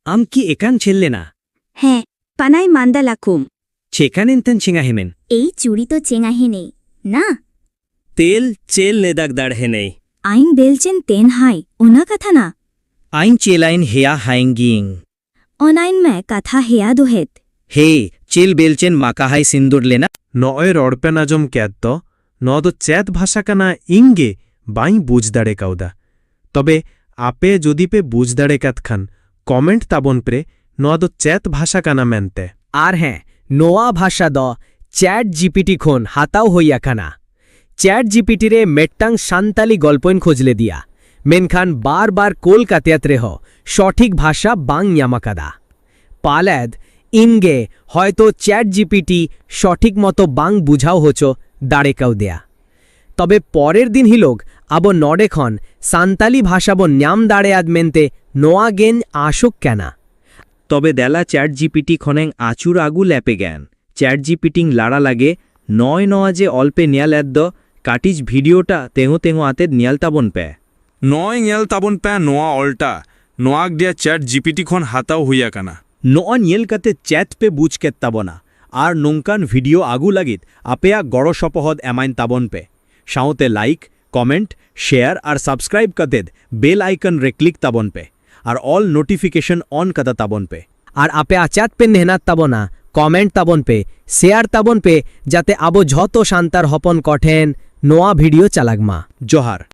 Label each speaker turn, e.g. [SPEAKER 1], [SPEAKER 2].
[SPEAKER 1] Am ki ekan chelle na.
[SPEAKER 2] হ্যাঁ পানাই মান্দা লাকুম
[SPEAKER 1] Chekan enten chinga hemen.
[SPEAKER 2] এই চুরি তো চেঙাহে নেই না
[SPEAKER 1] Tel chel nedak dar henei.
[SPEAKER 2] আইন বেলচেন তেন হাই ওনা কথা না
[SPEAKER 1] Ain chelain hea hainging.
[SPEAKER 2] অনাইন মে কথা হেয়া দোহেত
[SPEAKER 1] He chel belchen makahai sindur lena.
[SPEAKER 3] নয় রড়পেনাজম ক্যাদ্দ নদ চ্যাত ভাষাকানা ইঙ্গে বাই বুঝদাড়ে কাউদা তবে আপে যদি পে বুঝদাড়ে কাতখান কমেন্ট তাবন প্রে নদ চ্যাত ভাষাকানা মেনতে
[SPEAKER 1] আর হ্যাঁ নোয়া ভাষা দ চ্যাট জিপিটি খন হাতাও হইয়াখানা চ্যাট জিপিটিরে মেট্টাং সান্তালি গল্পইন খোঁজলে দিয়া মেনখান বারবার কলকাতিয়াত রেহ সঠিক ভাষা বাং ইয়ামাকাদা পালাদ ইনগে হয়তো চ্যাট জিপিটি সঠিক মতো বাং বুঝাও হচো দাঁড়েকাও দেয়া তবে পরের দিন হিলোগ আবো নডেখন সান্তালি ভাষাবো ন্যাম দাঁড়ে আদ মেনতে নোয়া গেন আসুক কেনা তবে দেলা চ্যাট জিপিটি খনেং আচুর আগু ল্যাপে জ্ঞান চ্যাট জিপিটিং লাড়া লাগে নয় নয়া যে অল্পে নিয়াল এদ্দ কাটিজ ভিডিওটা তেঙো তেঙো আতে নিয়াল তাবন পে
[SPEAKER 4] নয় ᱧᱮᱞ ᱛᱟᱵᱚᱱ ᱯᱮ ᱱᱚᱣᱟ ᱚᱞᱴᱟ ᱱᱚᱣᱟ ᱜᱮ ᱪᱮᱴ ᱡᱤᱯᱤᱴᱤ ᱠᱷᱚᱱ ᱦᱟᱛᱟᱣ ᱦᱩᱭ ᱟᱠᱟᱱᱟ
[SPEAKER 1] নোয়া নিয়েল কাতে চ্যাট পে বুঝ কেত তাবনা আর নংকান ভিডিও আগু লাগিত আপেয়া গড় সপহদ এমাইন তাবন পে সাউতে লাইক কমেন্ট শেয়ার আর সাবস্ক্রাইব কাতেদ বেল আইকন রে ক্লিক তাবন পে আর অল নোটিফিকেশন অন কাতা তাবন পে আর আপে চ্যাট পে নেহনাত তাবনা কমেন্ট তাবন পে শেয়ার তাবন পে যাতে আবো যত শান্তার হপন কঠেন নোয়া ভিডিও চালাগমা জোহার